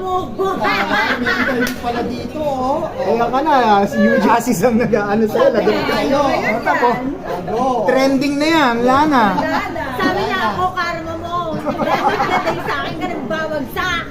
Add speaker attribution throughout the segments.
Speaker 1: mo.
Speaker 2: May pala dito, oh. Kaya ka na, si Yuji Asis ang nag-ano sa'yo, lagay kayo. Tapos, trending na yan, wala na.
Speaker 1: Sabi niya ako, karma mo. Dapat ka dahil sa akin ka nagbawagsak.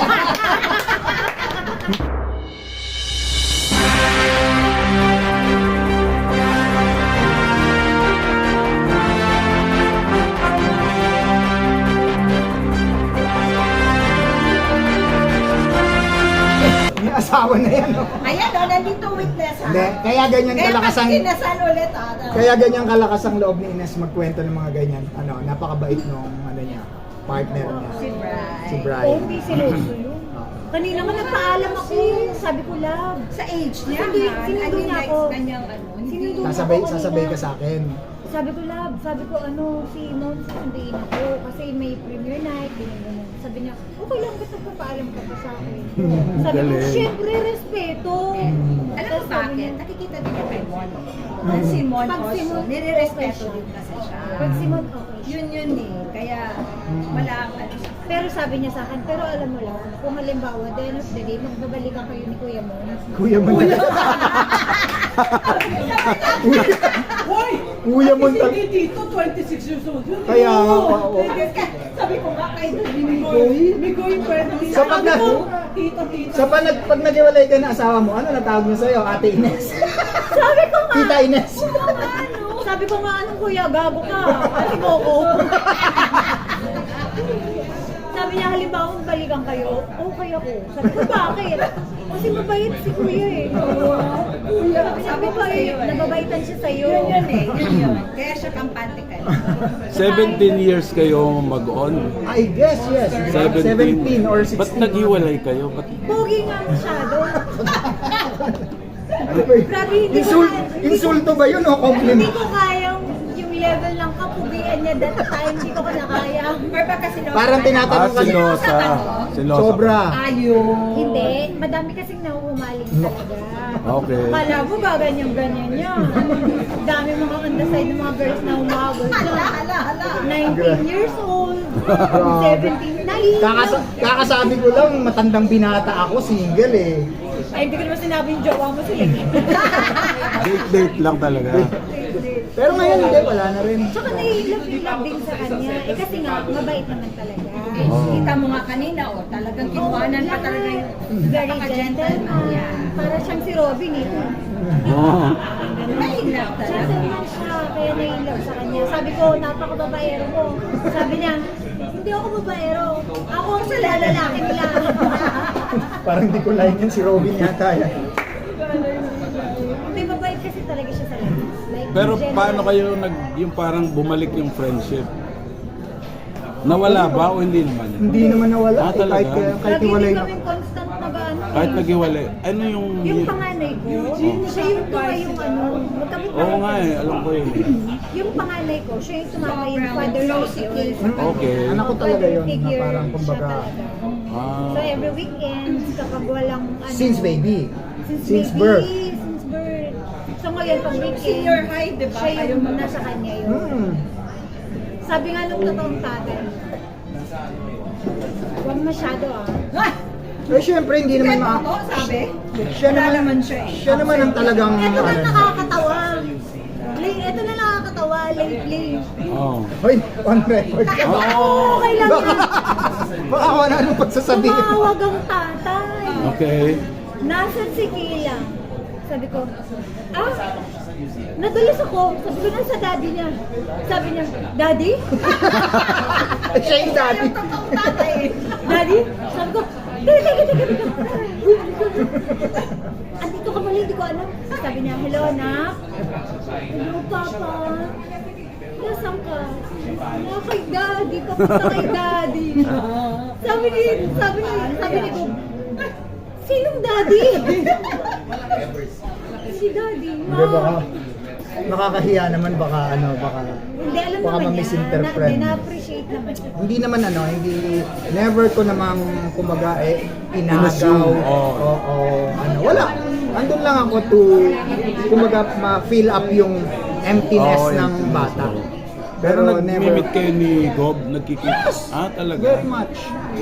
Speaker 2: May asawa na yan, oh.
Speaker 1: Ayan o, nandito witness ha.
Speaker 2: Hindi, kaya ganyan
Speaker 1: Kaya
Speaker 2: kalakas ang...
Speaker 1: pag kinasal ulit ha.
Speaker 2: Kaya ganyan kalakas ang loob ni Ines magkwento ng mga ganyan. Ano, napakabait nung ano niya, partner niya.
Speaker 1: Si Brian.
Speaker 2: Si
Speaker 3: Oh,
Speaker 2: Brian.
Speaker 3: hindi sinuso yun. Kanina nga nagpaalam ako. Sabi ko, love.
Speaker 1: Sa age niya,
Speaker 3: Sinundo niya ako.
Speaker 1: Kanyang ano,
Speaker 3: Sinundo niya
Speaker 2: Sasabay,
Speaker 3: ako kanina.
Speaker 2: sasabay ka sa akin.
Speaker 3: Sabi ko, love. Sabi ko, si Mom, susunduin ako. Kasi may premiere night, ganyan. Sabi niya, okay lang, ba't nagpapaalam ka pa sa akin? Sabi ko,
Speaker 4: Galing.
Speaker 3: syempre, respeto.
Speaker 1: Alam mo
Speaker 3: Tapos sabi
Speaker 1: bakit?
Speaker 3: niya,
Speaker 1: Nakikita din niya kay Mon. Pag si Mon
Speaker 3: Pag si
Speaker 1: also,
Speaker 3: Mon,
Speaker 1: nire-respeto
Speaker 3: okay
Speaker 1: din kasi siya.
Speaker 3: Pag si Mom, okay.
Speaker 1: Yun eh. Kaya wala ang ano siya.
Speaker 3: Pero sabi niya sa akin, pero alam mo lang, kung halimbawa, the end of the day, magbabalikan kayo ni Kuya Mon.
Speaker 2: Kuya mo na.
Speaker 5: Hoy!
Speaker 2: Kuya mo na.
Speaker 5: Kasi dito, 26 years old yun.
Speaker 2: Kaya nga, oo.
Speaker 1: Sabi ko nga kay
Speaker 5: Migoy pwede.
Speaker 2: Sa pag na-
Speaker 5: Tito.
Speaker 2: Sa pag nag-iwalay ka na asawa mo, ano natawag niya sa'yo? Ate Ines.
Speaker 3: Sabi ko nga,
Speaker 2: Tita Ines.
Speaker 3: sabi ko nga, anong kuya, gago ka. Ate mo ko. Sabi niya, halimbawa, balikan kayo, okay ako. Sabi ko, bakit? Kasi mabait si kuya eh. Kuya, sabi ko eh, nababaitan siya sa'yo.
Speaker 1: Yun eh. Yun. Kaya siya kampante ka.
Speaker 4: 17 years kayo mag-on.
Speaker 2: I guess, yes. 17 or 16.
Speaker 4: Ba't naghiwalay kayo? Ba't...
Speaker 3: Pogi nga masyado. Grabe, hindi ko
Speaker 2: Insulto ba yun o
Speaker 3: Hindi
Speaker 2: compliment?
Speaker 3: ko kayang yung level ng kapugian niya that time, hindi ko kinakaya.
Speaker 1: Or baka sila.
Speaker 2: Parang tinatanong kasi.
Speaker 4: silosa. Silosa.
Speaker 2: Sobra.
Speaker 1: Ayun.
Speaker 3: Hindi, madami kasing nahuhumaling talaga.
Speaker 4: Okay.
Speaker 3: Kala mo ba ganyan-ganyan niya? Dami mga on the side ng mga girls na humabol siya.
Speaker 1: Hala.
Speaker 3: 19 years old,
Speaker 2: Grabe.
Speaker 3: 17, naiiyak.
Speaker 2: Kakasabi ko lang, matandang binata ako, single eh.
Speaker 3: Ay, hindi ko naman sinabi yung jowa mo sila.
Speaker 4: Date lang talaga.
Speaker 2: Pero ngayon hindi, wala na rin.
Speaker 3: Tsaka nai-love din sa kanya. Eh kasi nga, mabait naman talaga.
Speaker 1: Kita mo nga kanina, oh, talagang kinuhanan pa talaga yung
Speaker 3: Very gentleman. Para siyang si Robin eh.
Speaker 4: Oo.
Speaker 1: Mahirap talaga.
Speaker 3: Gentleman siya, kaya nai-love sa kanya. Sabi ko, napaka-babaero mo. Sabi niya, hindi ako babaero. Ako ang sa lalalaking lang.
Speaker 2: Parang di ko like yun, si Robin yata yan.
Speaker 3: Hindi, mabait kasi talaga siya sa lahat. Like,
Speaker 4: Pero
Speaker 3: general.
Speaker 4: paano kayo yung parang bumalik yung friendship? Nawala ba o hindi naman?
Speaker 2: Hindi naman nawala.
Speaker 4: Ah, talaga?
Speaker 2: Kahit
Speaker 3: Lagi
Speaker 2: iwalay
Speaker 3: din
Speaker 2: na.
Speaker 3: kaming constant mag-ano.
Speaker 4: Kahit naghiwalay. Ano yung...
Speaker 3: Yung panganay ko, siya yung tuwa yung ano, magkamit
Speaker 4: Oo nga eh, alam ko yun.
Speaker 3: Yung panganay ko, siya yung tumama yung father figure.
Speaker 4: Okay.
Speaker 2: Anak ko talaga yun, na
Speaker 3: Figure,
Speaker 2: parang
Speaker 3: siya
Speaker 2: kumbaga,
Speaker 3: talaga.
Speaker 4: Ah.
Speaker 3: So every weekend, kapag walang ano,
Speaker 2: since baby. Since
Speaker 3: baby,
Speaker 2: birth.
Speaker 3: Since birth. So ngayon, pag weekend,
Speaker 1: Senior high, di ba?
Speaker 3: siya yung nasa kanya yun. Sabi nga nung totoong tatay, huwag masyado ah.
Speaker 2: Eh syempre, hindi naman
Speaker 1: Ako, sabi?
Speaker 2: Siya
Speaker 1: Wala
Speaker 2: naman,
Speaker 1: naman siya eh.
Speaker 2: siya naman ang talagang
Speaker 3: Ito na
Speaker 2: ano.
Speaker 3: nakakatawa. Ito na nakakatawa lately.
Speaker 4: Oo.
Speaker 2: Hoy, on record.
Speaker 3: Oo, okay lang
Speaker 2: Baka,
Speaker 3: yun.
Speaker 2: baka wala nang pagsasabihin.
Speaker 3: Tumawag ang tatay.
Speaker 4: Okay.
Speaker 3: Nasaan si Kila? Sabi ko, nadulas ako. Sabi ko, nasa daddy niya. Sabi niya, daddy?
Speaker 2: Siya yung daddy.
Speaker 3: Daddy? Sabi ko, teka. Andito ka mali, hindi ko alam. Sabi niya, hello, anak. Hello, papa. Nasaan ka? Kay daddy. Papunta kay daddy. Sabi ni ko, sinong daddy? Si daddy.
Speaker 2: Hindi, baka nakakahiya naman, baka
Speaker 3: Hindi, alam
Speaker 2: baka
Speaker 3: naman niya.
Speaker 2: ma-misinterpret.
Speaker 3: Na-appreciate naman niya.
Speaker 2: Hindi naman never ko namang kumbaga inagaw.
Speaker 4: Inassume,
Speaker 2: Oo, wala. Andun lang ako to kumbaga ma-fill up yung emptiness
Speaker 4: Oo,
Speaker 2: ng
Speaker 4: emptiness,
Speaker 2: bata.
Speaker 4: oo. Pero
Speaker 2: Pero never.
Speaker 4: nag-meet kayo ni Gob, nagkikita. Ah, talaga?
Speaker 2: Very much.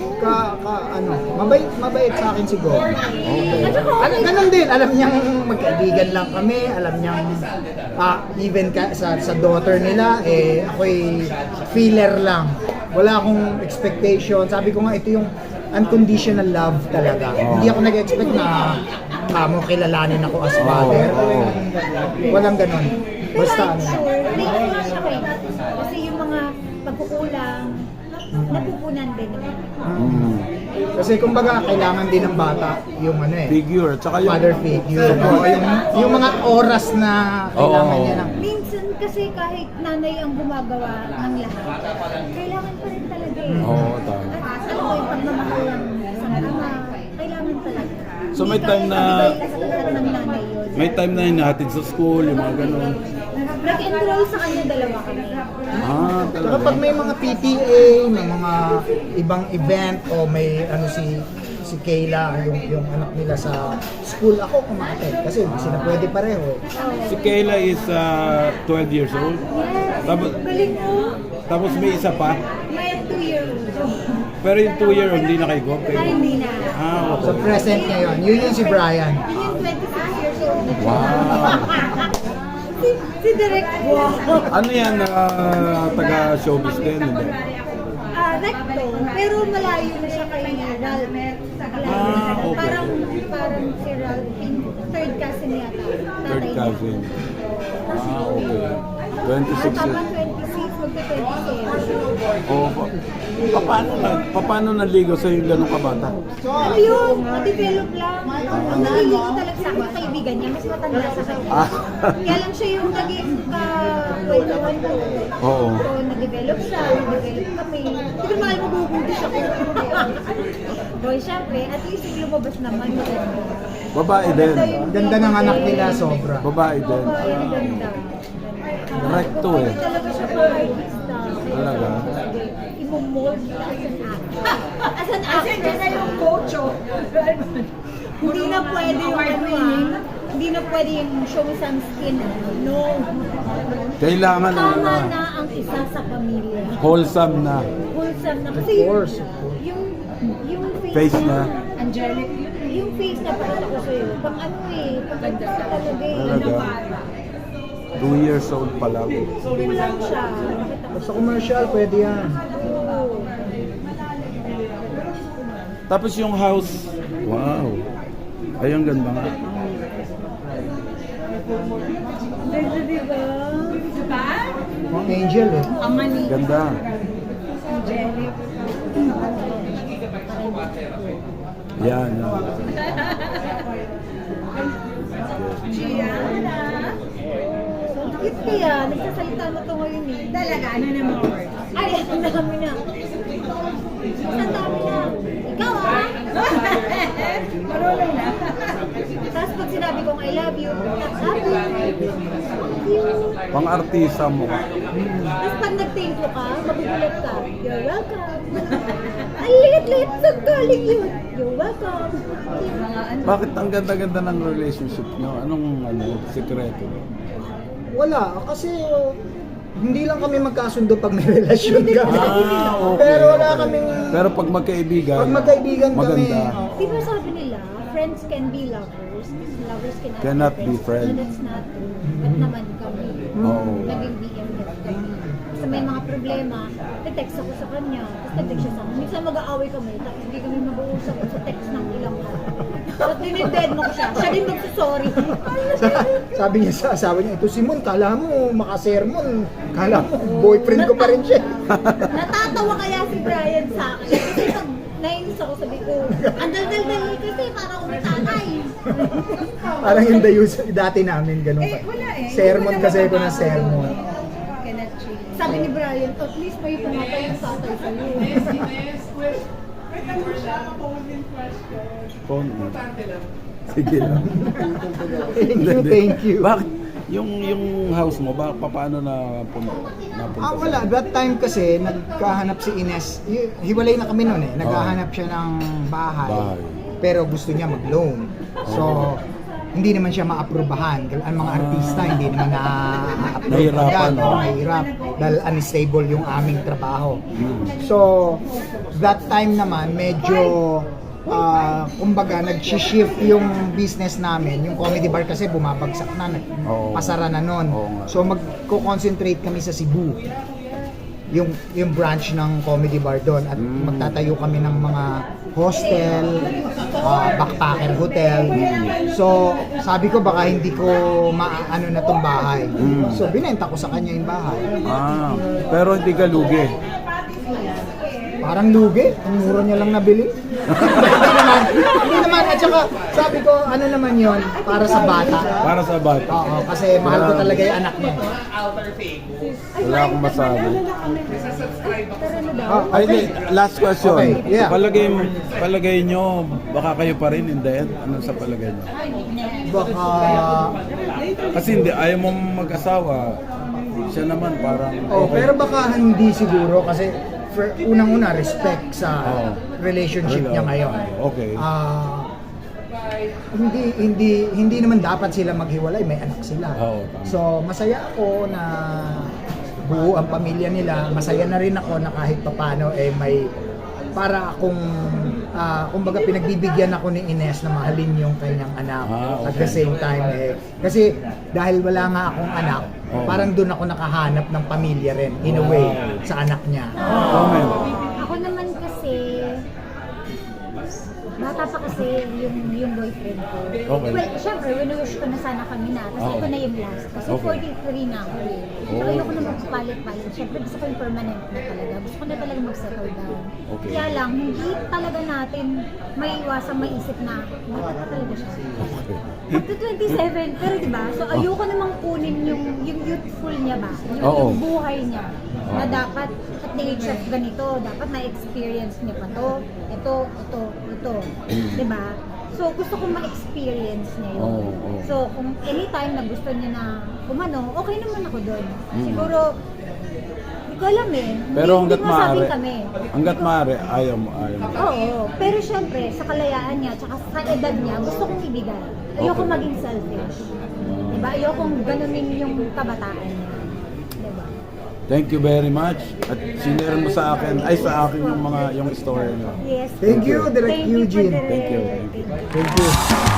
Speaker 2: Mabait sa akin si Gob.
Speaker 4: Okay.
Speaker 2: Ganun din, alam niyang magkaibigan lang kami, alam niyang even sa daughter nila, ako'y feeler lang. Wala akong expectation. Sabi ko nga, ito yung unconditional love talaga. Hindi ako nag-expect na kamo kilalanin ako as father. Walang ganun.
Speaker 3: Pero
Speaker 2: Basta
Speaker 3: I'm sure, naiiwan siya kayo. Kasi yung mga pagkukulang, napupunan din naman.
Speaker 4: Mm.
Speaker 2: Kasi kumbaga kailangan din ng bata yung
Speaker 4: Figure, tsaka yung...
Speaker 2: father figure. O, yung mga oras na kailangan
Speaker 4: Oo.
Speaker 2: niya ng
Speaker 3: Minsan kasi kahit nanay ang gumagawa ng lahat, kailangan pa rin talaga eh.
Speaker 4: Oo, tama.
Speaker 3: At alam mo yung pagmamahal ng isang ama, kailangan talaga.
Speaker 4: So, may
Speaker 3: Hindi
Speaker 4: time
Speaker 3: kaya
Speaker 4: na-
Speaker 3: ibigay lahat ng nanay yun.
Speaker 4: May time na hinahatid sa school, yung mga ganun.
Speaker 3: Nag-enroll sa kanya dalawa kami.
Speaker 4: Ah,
Speaker 2: Saka
Speaker 4: talaga.
Speaker 2: pag may mga PTA, may mga ibang event o may si Kayla, yung anak nila sa school, ako kumakatid kasi hindi sila pwede pareho.
Speaker 4: Si Kayla is 12 years old.
Speaker 3: Yes,
Speaker 4: Tapos,
Speaker 3: galing mo.
Speaker 4: tapos may isa pa.
Speaker 3: May 2-year-old.
Speaker 4: Pero yung 2-year-old, hindi na kay Gob.
Speaker 3: Ay, hindi na.
Speaker 4: Ah,
Speaker 2: So
Speaker 4: okay.
Speaker 2: present ngayon, yun yung si Brian.
Speaker 3: Yun yung 26 years old.
Speaker 4: Wow.
Speaker 3: Si Direk. Wow.
Speaker 4: Ano yan, taga-showbiz din, hindi?
Speaker 3: Recto, pero malayo na siya kay Ralph.
Speaker 4: Ah, okay.
Speaker 3: Parang si Ralph, third cousin yata.
Speaker 4: Third
Speaker 3: tatay niya.
Speaker 4: cousin. Ah, okay. 26
Speaker 3: Tama,
Speaker 4: years.
Speaker 3: 26, magka-27.
Speaker 4: Oh, paano naligo sa yung ganong kabata?
Speaker 3: Ano yun? Na-develop lang. Ang naliligo talaga sa akin, kaibigan niya, mas matanda sa kanya.
Speaker 4: Ah.
Speaker 3: Kaya lang siya yung naging ka-kwentuhan ko.
Speaker 4: Oo.
Speaker 3: So, nag-develop siya, nag-develop kami. Hindi ko naman mabubuntis ako. Boy, syempre, at least lumabas naman. Maganda.
Speaker 4: Babae din.
Speaker 2: Ang ganda ng anak nila, sobra.
Speaker 4: Babae din.
Speaker 3: Babae, ang ganda.
Speaker 4: Recto eh.
Speaker 3: Talaga siya pang-artista.
Speaker 4: Talaga?
Speaker 3: Imo-mold kita as an actor. As an actor. As yung coach, Hindi na pwede yung hindi na pwede yung show some skin. No.
Speaker 4: Kailangan
Speaker 3: Tama na ang isa sa pamilya.
Speaker 4: wholesome na.
Speaker 3: Wholesome na.
Speaker 2: Of
Speaker 3: Kasi
Speaker 2: course.
Speaker 3: yung
Speaker 4: Face niya.
Speaker 3: Angelic. Yung face na pakita ko sa'yo. Pang ano pang actor talaga
Speaker 4: Talaga. 2 years old pa lang.
Speaker 3: Kulang siya.
Speaker 2: Sa commercial, pwede yan.
Speaker 4: Tapos yung house, wow. Ay, ang ganda nga.
Speaker 3: Ganda, diba?
Speaker 2: Angel eh.
Speaker 4: Ganda.
Speaker 3: Angelic.
Speaker 4: Yan.
Speaker 3: So, cute kaya. Nagsasalita na to ngayon eh. Talaga, ano naman? Ay, ang dami na. Ang dami na. Ikaw ah! Marunong na. Tapos pag sinabi kong I love you, love you. Thank you.
Speaker 4: Pang-artista mo.
Speaker 3: Tapos pag nag-thank you ka, magugulat ka. You're welcome. Ang liit-liit sa galing yun. You're welcome.
Speaker 4: Bakit ang ganda-ganda ng relationship nyo? Anong sekreto?
Speaker 2: Wala, kasi hindi lang kami magkasundo pag may relasyon kami.
Speaker 4: Ah, okay.
Speaker 2: Pero wala
Speaker 4: okay.
Speaker 2: kaming...
Speaker 4: Pero pag magkaibigan,
Speaker 2: Pag magkaibigan kami,
Speaker 4: maganda.
Speaker 3: Di ba sabi nila, friends can be lovers, lovers
Speaker 4: Cannot be friends.
Speaker 3: No, that's not true. Ba't naman kami?
Speaker 4: Oo.
Speaker 3: Naging BFF kami. Kasi may mga problema, te-text ako sa kanya, tapos te-text siya sa akin. Minsan mag-aaway kami, tapos hindi kami mag-uusap sa text ng ilang araw. Tapos dinided mo ko siya, siya din magsasorry.
Speaker 2: sabi niya sa asawa niya, ito si Mon, kala mo makasermon, kala mo boyfriend ko pa rin siya.
Speaker 3: Natatawa kaya si Brian sa akin. Kasi pag nainis ako, sabi ko, ang dal-dal-dal kasi parang umitatay.
Speaker 2: Parang yung dayus dati namin, ganun pa. Sermon kasi ako na sermon.
Speaker 3: Sabi ni Brian, at least may pumatay yung tatay sa'yo.
Speaker 4: Phone mo. Sige lang.
Speaker 2: Thank you.
Speaker 4: Bakit? Yung house mo, paano napunta?
Speaker 2: Wala. That time kasi, nagkahanap si Ines. Hiwalay na kami noon eh. Naghahanap siya ng bahay.
Speaker 4: Bahay.
Speaker 2: Pero gusto niya mag-loan. So, hindi naman siya maaprubahan. Ang mga artista hindi naman na-approve
Speaker 4: Nahihirapan,
Speaker 2: agad,
Speaker 4: no?
Speaker 2: mahirap dahil unstable yung aming trabaho. So, that time naman medyo kumbaga nag-shift yung business namin. Yung comedy bar kasi bumabagsak na,
Speaker 4: Oo.
Speaker 2: pasara na nun.
Speaker 4: Oo nga.
Speaker 2: So magko-concentrate kami sa Cebu. Yung branch ng comedy bar doon at magtatayo kami ng mga hostel, backpacker hotel. So sabi ko baka hindi ko maano na tong bahay. So binenta ko sa kanya yung bahay.
Speaker 4: Pero hindi ka lugi.
Speaker 2: Parang lugi, ang mura niya lang nabili. Hindi naman, at saka sabi ko, ano naman yon para sa bata.
Speaker 4: Para sa bata.
Speaker 2: Oo, kasi mahal ko talaga yung anak niya.
Speaker 4: Wala akong masabi.
Speaker 3: Pero ano daw?
Speaker 2: Oh,
Speaker 4: Ay, hindi. Last question.
Speaker 2: Okay, yeah.
Speaker 4: Palagay nyo, baka kayo pa rin in the end? Ano sa palagay nyo?
Speaker 2: Baka,
Speaker 4: Kasi hindi, ayaw mo mag-asawa. Siya naman parang...
Speaker 2: pero baka hindi siguro kasi unang-una respect sa
Speaker 4: Oo.
Speaker 2: relationship niya ngayon.
Speaker 4: Okay.
Speaker 2: Hindi naman dapat sila maghiwalay, may anak sila.
Speaker 4: Oo, tama.
Speaker 2: So masaya ako na buo ang pamilya nila. Masaya na rin ako na kahit papano may para akong kumbaga pinagbibigyan ako ni Ines na mahalin yung kanyang anak at the same time kasi dahil wala nga akong anak, parang doon ako nakahanap ng pamilya rin in a way sa anak niya.
Speaker 4: Comment.
Speaker 3: Ako naman kasi, bata pa kasi yung boyfriend ko.
Speaker 4: Okay.
Speaker 3: Well, syempre, winuwish ko na sana kami na. Kasi ito na yung last. Kasi
Speaker 4: Okay.
Speaker 3: 43 na ako eh. So, ayoko na magpalit-palit. Syempre, gusto ko yung permanent na talaga. Gusto ko na talaga mag-settle down.
Speaker 4: Okay.
Speaker 3: Kaya lang, hindi talaga natin maiwasang maisip na, bata pa talaga siya. Up to 27, pero diba? So, ayoko namang kunin yung youthful niya ba?
Speaker 4: Oo.
Speaker 3: Yung buhay niya. Na dapat, at the age of ganito, dapat na-experience niya pa to. Ito. Diba? So, gusto kong ma-experience niya yun.
Speaker 4: Oo.
Speaker 3: So, kung anytime na gusto niya na umano, okay naman ako doon. Siguro, hindi ko alam eh.
Speaker 4: Pero
Speaker 3: Hindi
Speaker 4: hanggat maaari,
Speaker 3: masabing kami.
Speaker 4: ayaw mo.
Speaker 3: Oo. Pero syempre, sa kalayaan niya, tsaka sa edad niya, gusto kong ibigay. Ayoko
Speaker 4: Okay.
Speaker 3: maging selfish. Diba? Ayokong ganunin yung kabataan niya. Diba?
Speaker 4: Thank you very much. At sinare mo sa akin yung story niyo.
Speaker 3: Yes.
Speaker 2: Thank you, Direk
Speaker 3: Thank you,
Speaker 2: Eugene.
Speaker 3: Direk.
Speaker 4: Thank you.
Speaker 2: Thank you.